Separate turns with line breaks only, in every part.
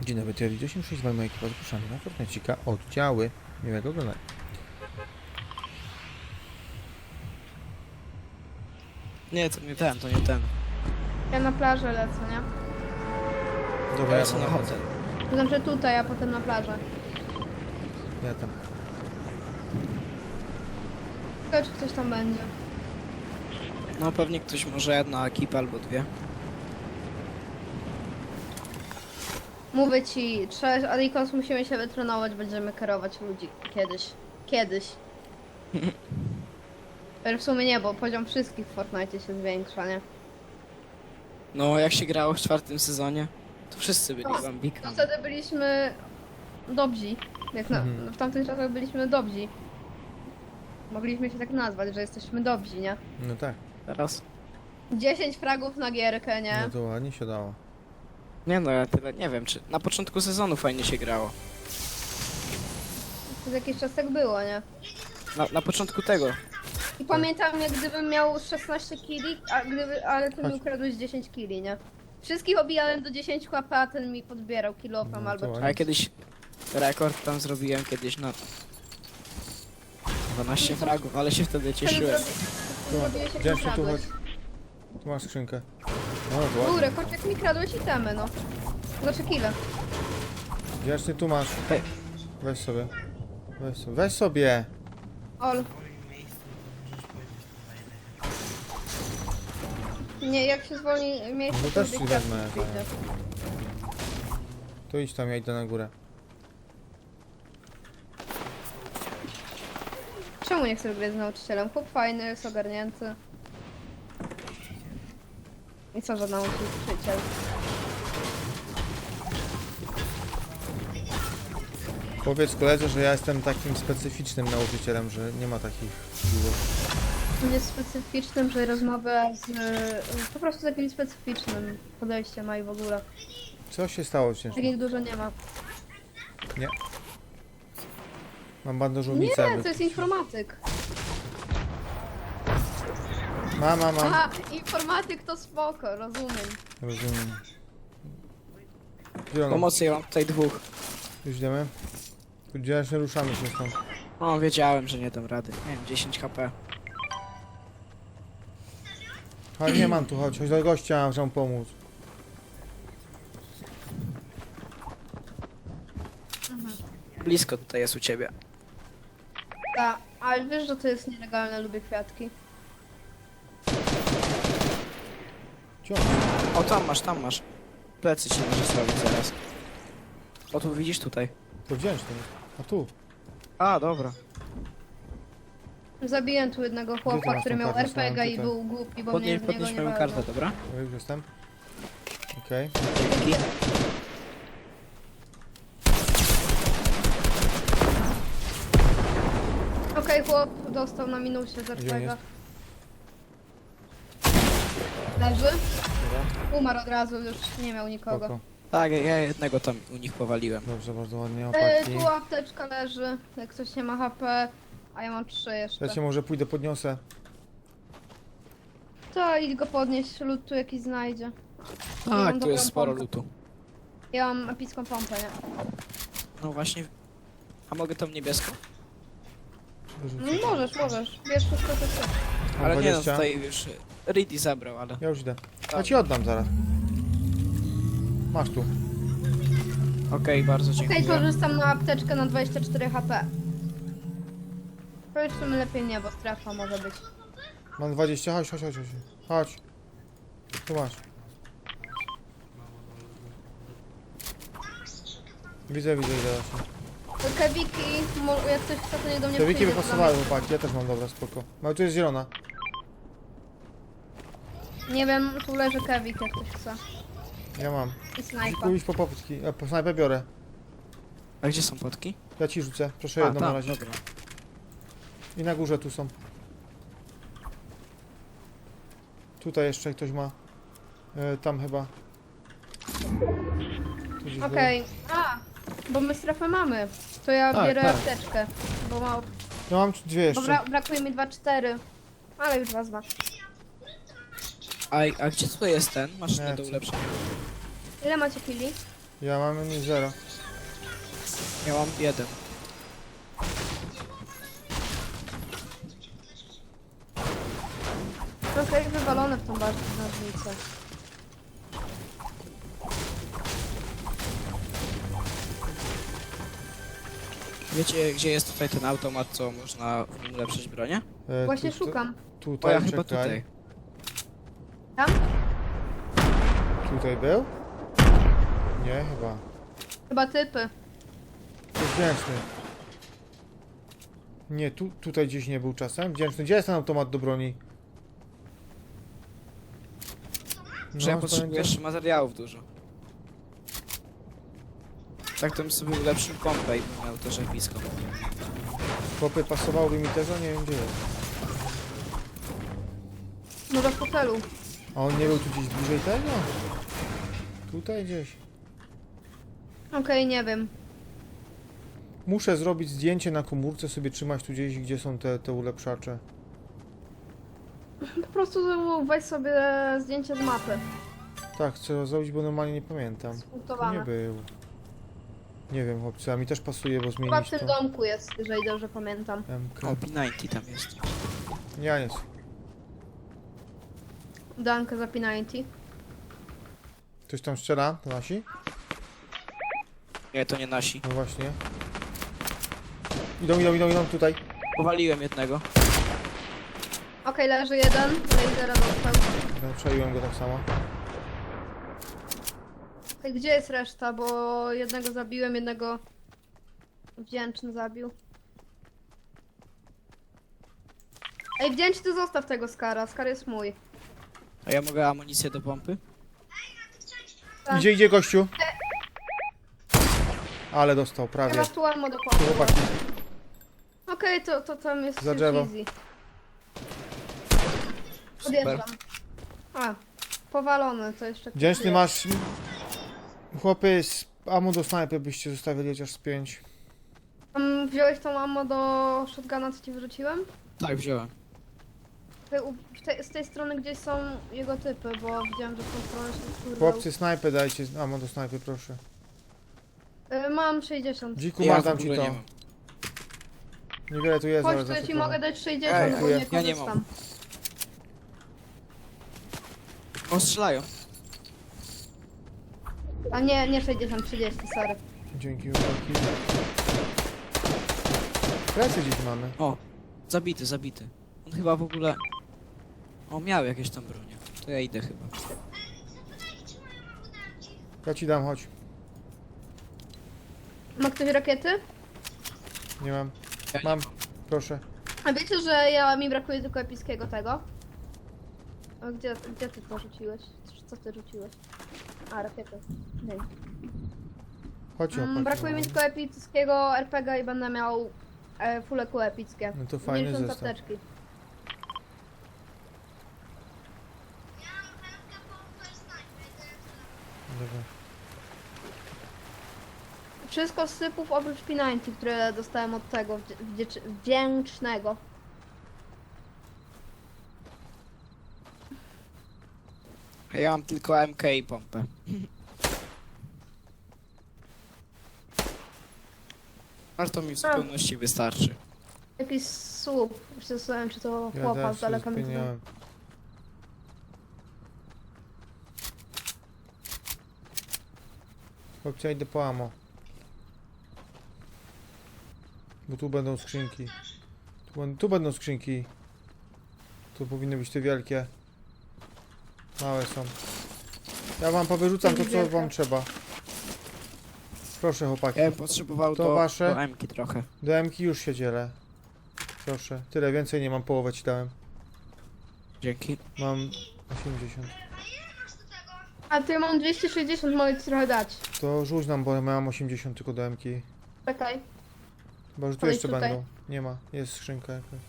Dzień dobry, Tier 10, z moją ekipą zapraszamy na Fortnite'cika oddziały. Miłego oglądania.
Nie, to nie ten, to nie ten.
Ja na plażę lecę, nie?
Dobra,
Ja
ja
sobie na
tam.
hotel.
To znaczy tutaj, a potem na plażę.
Ja tam.
Ciekawe, czy ktoś tam będzie.
No pewnie ktoś, może jedna ekipa albo dwie.
Mówię ci, trzeba, Adikos, musimy się wytrenować, będziemy kierować ludzi. Kiedyś. Kiedyś. Ale w sumie nie, bo poziom wszystkich w Fortnite się zwiększa, nie?
No jak się grało w 4. sezonie, to wszyscy byli
No,
bambikami.
To wtedy byliśmy dobrzy. Jak w tamtych czasach byliśmy dobrzy. Mogliśmy się tak nazwać, że jesteśmy dobrzy, nie?
No tak,
Teraz? 10
10 fragów na gierkę, nie?
no to ładnie się dało.
Nie no, ja tyle nie wiem, czy na początku sezonu fajnie się grało.
Przez jakiś czas tak było, nie?
Na początku tego.
I pamiętam, jak gdybym miał 16 kili, ale ty mi
Chodź.
ukradłeś 10 kili, nie? Wszystkich obijałem do 10 HP, a ten mi podbierał kilofem
No,
albo
to
A ja kiedyś rekord tam zrobiłem kiedyś na 12 fragów, ale się wtedy cieszyłem.
Zrobiłeś jak
Gdzie
mi
się tu
kradłeś.
chodź? Tu masz skrzynkę. No to
Był
ładnie.
rekord, jak mi kradłeś itemy, no. Znaczy kile.
Gdzie tu masz?
Hej.
Weź sobie. Weź sobie. Weź sobie!
Ol. Nie, jak się zwolni miejsce,
No to też
lubię
ci
kwiatki
wezmę,
widzę.
tak. To idź tam, ja idę na górę.
Czemu nie chcesz grać z nauczycielem? Chłop fajny, jest ogarnięty. I co, że nauczyciel?
Powiedz koledze, że ja jestem takim specyficznym nauczycielem, że nie ma takich dużo.
On jest specyficznym, że rozmawia z... po prostu takim specyficznym podejściem ma i w ogóle.
Co się stało ciężko?
Takich dużo nie ma.
Nie. Mam bandażownicę.
Nie, to jest informatyk.
Mam.
Aha, informatyk to spoko, rozumiem.
Rozumiem. Gdzie ono?
Pomocy, ja mam tutaj dwóch.
Już idziemy? Gdzie się ruszamy się stąd?
No wiedziałem, że nie dam rady. Nie wiem, 10 HP.
Chodź, nie mam tu, chodź do gościa, muszę mu pomóc.
Blisko tutaj jest u ciebie.
Tak, ale wiesz, że to jest nielegalne, lubię kwiatki.
Ciąg.
O, tam masz. Plecy ci może zrobić zaraz. O, tu widzisz tutaj.
To wziąć to. A tu.
A, dobra.
Zabiłem tu jednego chłopa,
masz
który
tą
miał
kartę?
RPG i
Tutaj.
był głupi, bo mnie z niego
Podnieś
nie
moją
walnął.
kartę, dobra?
Ja już jestem. Okej.
Dzięki.
Okej, chłop dostał na minusie z
Gdzie on
RPG.
jest?
Leży?
Dobra.
Umarł od razu, już nie miał nikogo.
Spoko.
Tak, ja jednego tam u nich powaliłem.
Dobrze, bardzo ładnie. Opaki.
Tu apteczka leży, jak ktoś nie ma HP, a ja mam 3 jeszcze.
Ja cię może pójdę, podniosę.
To idź go podnieść, lód tu jakiś znajdzie. mam
Tak, tu
dobrą
jest sporo
pompę.
lutu.
Ja mam epicką pompę, nie?
No właśnie. A mogę tą niebieską?
Wyrzucę.
No, możesz. Bierz wszystko, co chcesz.
Mam
Ale nie no,
20.
tutaj już Reedy zabrał, ale...
Ja już idę. Ja ci oddam zaraz. Masz tu.
Okej, bardzo
Okej,
dziękuję.
korzystam na apteczkę na 24 HP. To już w sumie lepiej nie, bo strefa może być.
Mam 20. Chodź. Chodź. Tu masz. Widzę, zaraz.
Kewiki, jak ktoś chce, to nie do mnie
Te wiki
przyjdzie,
wypasowały, chłopaki. Ja też mam, dobra, spoko. No tu jest zielona.
Nie wiem, tu leży kewik, jak ktoś chce.
Ja mam.
I snajpa.
Pójdź po poputki. Po snajpę biorę.
A gdzie są potki?
Ja ci rzucę. Proszę
A,
jedną na
tam,
razie.
dobra.
I na górze tu są. Tutaj jeszcze ktoś ma. Tam chyba. Tu gdzieś
Okej. A, bo my strefę mamy. To ja
Tak,
biorę
tak.
apteczkę. Bo ma...
było. No mam tu dwie jeszcze.
Dobra, brakuje mi 2-4. Ale już wezmę.
A gdzie tutaj jest ten? Masz
Nie,
nie do
co?
ulepszenia.
Ile macie kili?
Ja mam 0.
Ja mam 1.
Trochę jak wywalone w tą barwnicę.
Wiecie, gdzie jest tutaj ten automat, co można w nim ulepszyć bronię?
Właśnie szukam.
O,
Tutaj,
ja chyba
czekaj.
tutaj.
Tam?
Tutaj był? Nie, chyba.
Chyba typy.
To wdzięczny. Nie, tutaj gdzieś nie był czasem. Wdzięczny. Gdzie jest ten automat do broni?
Że ja
No,
potrzebuję
pamiętam.
jeszcze materiałów dużo. Tak to bym sobie ulepszył pompę i bym miał też blisko.
Chłopie, pasowałoby mi też, a nie wiem gdzie jest.
Może w hotelu.
A on nie był tu gdzieś bliżej tego? Tutaj gdzieś.
Okej, nie wiem.
Muszę zrobić zdjęcie na komórce, sobie trzymać tu gdzieś, gdzie są te ulepszacze.
Po prostu weź sobie zdjęcie z mapy.
Tak, chcę zrobić, bo normalnie nie pamiętam. Tu nie
Punktowane.
był. Nie wiem, chłopcy, a mi też pasuje, bo
Chyba w
zmienić
tym
to.
domku jest, jeżeli dobrze pamiętam.
MK.
O, P90 tam jest.
Ja nie.
Dankę za P90.
Ktoś tam strzela? To nasi?
Nie, to nie nasi.
No właśnie. Idą tutaj.
Powaliłem jednego.
Okej, leży jeden. Lasera dostał.
Przejęłem go tak samo.
Okej, gdzie jest reszta? Bo jednego zabiłem, jednego wdzięczny zabił. Ej, wdzięczny, ty zostaw tego Skara. Skar jest mój.
A ja mogę amunicję do pompy?
Tak.
Idzie gościu. Ale dostał,
Ja
prawie.
masz tu ammo do
Tu
pompy.
chłopaki.
Okej, to tam jest
Za
już
drzewo.
easy.
Super.
Odjeżdżam. A, powalony, to jeszcze...
Wdzięczny
jest.
masz... Chłopy, z ammo do snajpy byście zostawili chociaż z 5.
Wziąłeś tą ammo do shotguna, co ci wyrzuciłem?
Tak, wziąłem.
Z tej strony gdzieś są jego typy, bo widziałem, że w tą stronę się skurwał.
Chłopcy, snajpę dajcie, ammo do snajpy, proszę.
Mam 60.
Dziku,
Ja
masz,
w
dam ci
ogóle
to.
nie mam.
Niewiele tu jest, ale
Chodź, to ja ci
zasypane.
mogę dać 60,
Ej,
bo
dziękuję.
nie
Ja nie
korzystam.
O, strzelają.
A nie 60, 30, sorry.
Dzięki, chłopaki. Plecy gdzieś mamy.
O, zabity, zabity. On chyba w ogóle... O, miał jakieś tam bronię. To ja idę chyba.
Ja ci dam, chodź.
Ma ktoś rakiety?
Nie mam.
Ja nie
Mam, proszę.
A wiecie, że mi brakuje tylko epickiego tego? A gdzie ty to rzuciłeś? Co ty rzuciłeś? A, rakiety. Nie.
Chodź, chłopaki.
Brakuje mi tylko epickiego RPG i będę miał full EQ epickie.
No to fajny
50
zestaw.
apteczki.
Dobra.
Wszystko z sypów oprócz P90, które dostałem od tego wdzięcznego.
A ja mam tylko MK i pompę. Ale to mi w zupełności wystarczy.
Jakiś słup. Już się zastanawiam, czy to
Ja
chłopa
też
z daleka
się
mi
zmieniałem. Chłopcy, ja idę po ammo. Bo tu będą skrzynki. Tu będą skrzynki. Tu powinny być te wielkie. Małe są. Ja wam powyrzucam to, co wam trzeba. Proszę, chłopaki.
Ja bym potrzebował
To
do
wasze?
MK trochę.
Do M-ki już się dzielę. Proszę. Tyle, więcej nie mam, połowę ci dałem.
Dzięki.
Mam 80.
A ty mam 260, mogę ci trochę dać.
To rzuć nam, bo ja mam 80 tylko do M-ki.
Czekaj.
Chyba, że tu
Podejdź
jeszcze
tutaj.
będą. Nie ma. Jest skrzynka jakaś.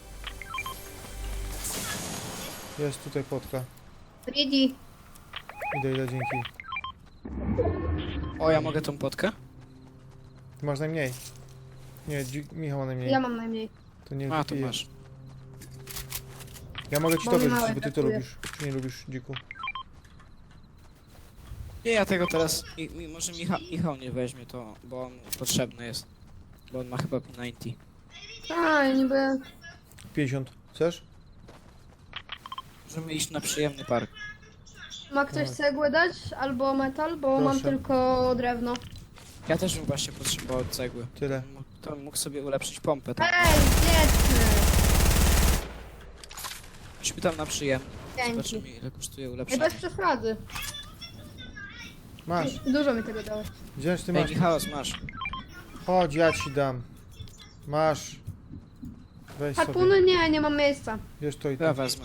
Jest tutaj płotka.
Ready.
Idę, dzięki.
O, ja mogę tą potkę?
Ty masz najmniej. Nie, Michał ma najmniej.
Ja mam najmniej.
To nie
A, to
pije.
masz.
Ja mogę ci
Bo
to
mi
wyrzucić,
małe
bo ty to
brakuje.
lubisz. Czy nie lubisz, dziku?
Nie, ja tego teraz... Może Michał nie weźmie to, bo on potrzebny jest. Bo on ma chyba P90.
A, ja niby...
50. Chcesz?
Możemy iść na przyjemny park.
Ma ktoś cegłę dać? Albo metal? Bo mam
Proszę.
tylko drewno.
Ja też bym właśnie potrzebował cegły.
Tyle.
To mógł sobie ulepszyć pompę tam.
Ej, zjedźmy!
Chodźmy tam na przyjemny.
Dzięki.
Zobaczymy ile kosztuje
Ej,
ulepszenie.
bez przesady.
Masz.
Dużo mi tego dałeś.
Gdzieś ty
Ej,
masz?
Michalos, masz.
Chodź, ja ci dam. Masz. Weź sobie.
Harpuny? Nie, nie mam miejsca.
Wiesz to i
Ja
to.
wezmę.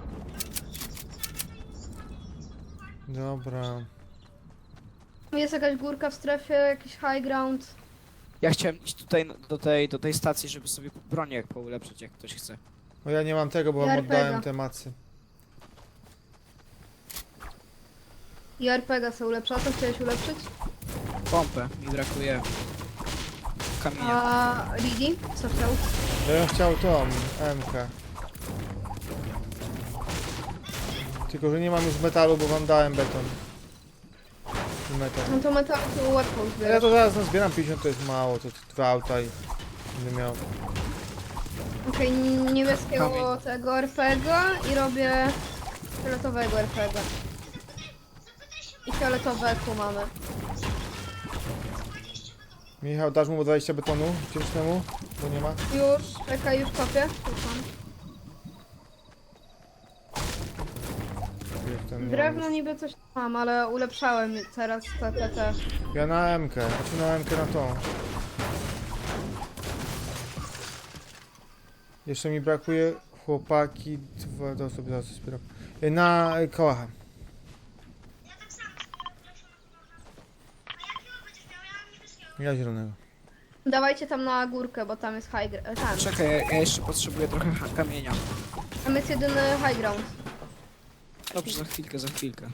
Dobra.
Jest jakaś górka w strefie, jakiś high ground.
Ja chciałem iść tutaj do tej stacji, żeby sobie bronię jak poulepszyć, jak ktoś chce.
No ja nie mam tego, bo wam
Ja
oddałem
RPG.
te macy.
I RPG se ulepsza. Co chciałeś ulepszyć?
Pompę, mi brakuje kamienia.
A Ligi? Co chciał?
Ja bym chciał tą MK. Tylko, że nie mam już metalu, bo wam dałem beton. I metal.
No to metal to łatwo
Ja
zbierać.
to zaraz zbieram 50, to jest mało, to 2 auta i będę miał.
Okej, niebieskiego
Kamień.
tego RPG i robię fioletowego RPG. I fioletowe tu mamy.
Michał, dasz mu 20 betonu wdzięcznemu? Bo nie ma.
Już, czekaj, już kopię. Już mam.
Jak ten nie
Drewno
mam
niby coś mam, ale ulepszałem teraz te.
już. Ja na MK, znaczy na MK na tą. Jeszcze mi brakuje chłopaki, to sobie zaraz zbieram. Na kołacha. Ja zielonego.
Dawajcie tam na górkę, bo tam jest tam.
Czekaj, ja jeszcze potrzebuję trochę kamienia.
Tam jest jedyny high ground.
Dobrze, za chwilkę.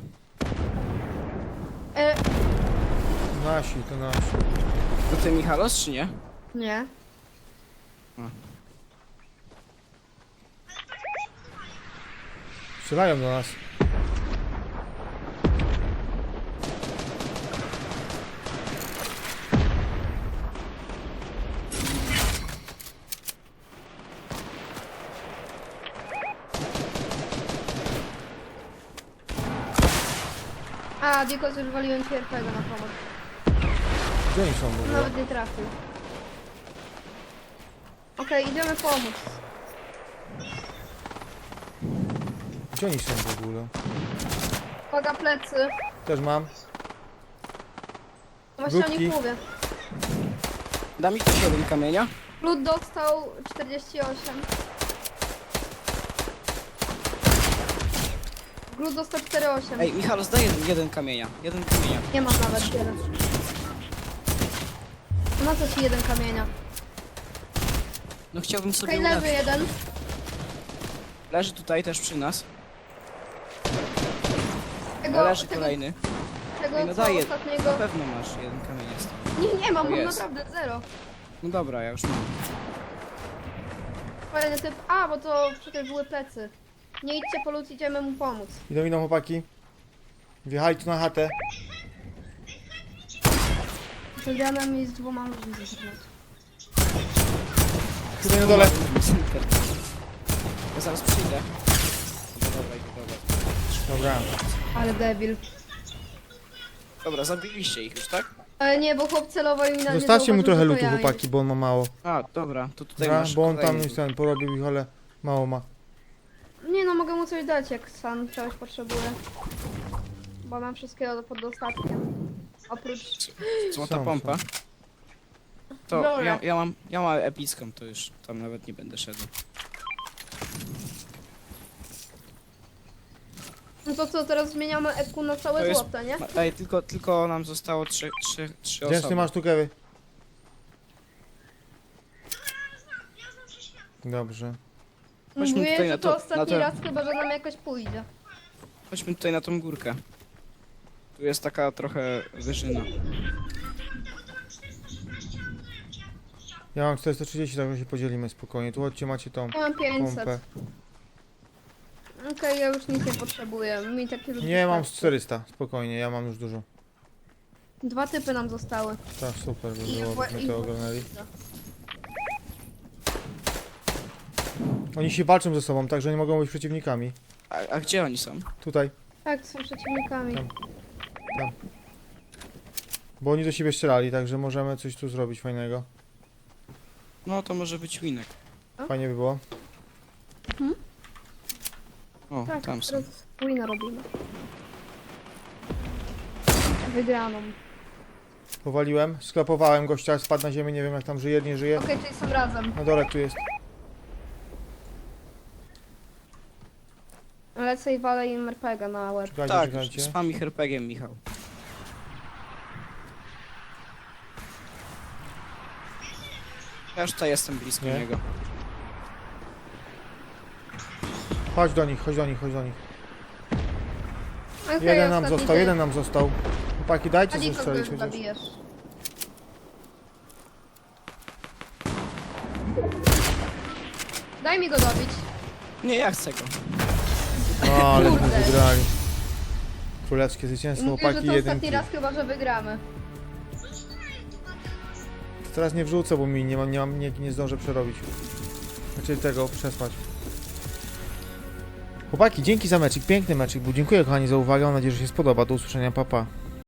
Nasi, to nasi.
To ty Michalos, czy nie?
Nie.
Strzelają do nas.
A, Dikos już waliłem ci RPG na pomoc.
Gdzie oni są w ogóle?
Nawet nie trafił. Okej, idziemy pomóc.
Gdzie oni są w ogóle?
Uwaga, plecy.
Też mam.
Właśnie o
Grupki.
nich mówię.
Da mi ktoś jeden kamienia?
Lud dostał 48. Glut dostał 4,8.
Ej, Michalos, daj jeden kamienia. Jeden kamienia.
Nie mam nawet tyle. Na co ci jeden kamienia?
No chciałbym sobie
Okej, lewy
ulepszyć.
jeden.
Leży tutaj też przy nas.
Tego,
Leży
tego,
kolejny.
tego
Ej, no
co
daj na
ostatniego.
pewno masz jeden kamień jest.
Nie mam,
To
mam
jest.
naprawdę zero.
No dobra, ja już mam.
Kolejny typ. A, bo to przecież były plecy. Nie idźcie po lód, idziemy mu pomóc.
Idą chłopaki. Wjechali tu na chatę.
Wygrałem mi z 2 ludźmi z internetu.
Tutaj na dole.
Ja zaraz przyjdę. Dobra.
Dobra.
Ale debil.
Dobra, zabiliście ich już, tak?
Ale nie, bo chłop celował i na nie
Zostawcie mu
zauważył,
trochę
że to
lutu,
ja.
chłopaki, bo on ma mało.
A, dobra, to tutaj
Dobra,
masz
bo on tam
kolejny.
już ten porobił ich, ale mało ma.
Nie no, mogę mu coś dać, jak sam czegoś potrzebuje. Bo mam wszystkiego pod dostatkiem. Oprócz...
Złota
Są,
pompa. To
Dobra.
ja mam epicką, to już tam nawet nie będę szedł.
No to co, teraz zmieniamy EQ na
To
całe
jest-
złote, nie?
Ej, tylko nam zostało trzy
Gdzieś
osoby.
ty masz tu kewy? Dobrze.
Chodźmy
Mówię,
tutaj
że
na
to
to-
ostatni
na to-
raz chyba, że nam jakoś pójdzie.
Chodźmy tutaj na tą górkę. Tu jest taka trochę wyżyna.
Ja mam 430, także się podzielimy spokojnie. Tu chodźcie, macie tą
Ja mam 500.
pompę.
Okej, ja już nic nie potrzebuję. Mi takie już
Nie, mam z
wystarczy.
400, spokojnie, ja mam już dużo.
2 typy nam zostały.
Tak, super, by
I
było,
wła-
byśmy
i
to
wła-
ogarnęli. Oni się walczą ze sobą, także nie mogą być przeciwnikami.
A gdzie oni są?
Tutaj,
Tak, są przeciwnikami.
Tam. bo oni do siebie strzelali, także możemy coś tu zrobić fajnego.
No to może być winek.
Fajnie by było.
O,
Tak,
tam są.
teraz wina robimy. Wygraną.
Powaliłem, sklapowałem gościa, spadł na ziemię, nie wiem jak tam żyje, nie żyje.
Okej, czyli są razem.
Na dole tu jest.
Lecę i walę im RPG na łeb.
Czekajcie,
Tak,
czekajcie.
spam ich RPG-iem, Michał. Ja już tutaj jestem blisko
Nie?
niego.
Chodź do nich, chodź do nich, chodź do nich.
Okej,
Jeden nam
ostatni
został,
typ.
jeden nam został. Chłopaki, dajcie
A
coś
nikogo
strzelić
już
chociaż.
zabijesz. Daj mi go dobić.
Nie, ja chcę go.
O, ale
Kurde.
wygrali. Królewskie zwycięstwo,
Mówię, że
chłopaki,
to
jeden
ostatni
kill.
raz chyba, że wygramy.
To teraz nie wrzucę, bo mi nie zdążę przerobić. Znaczy tego, przespać. Chłopaki, dzięki za meczik, piękny meczik był. Dziękuję kochani za uwagę, mam nadzieję, że się spodoba. Do usłyszenia, pa pa.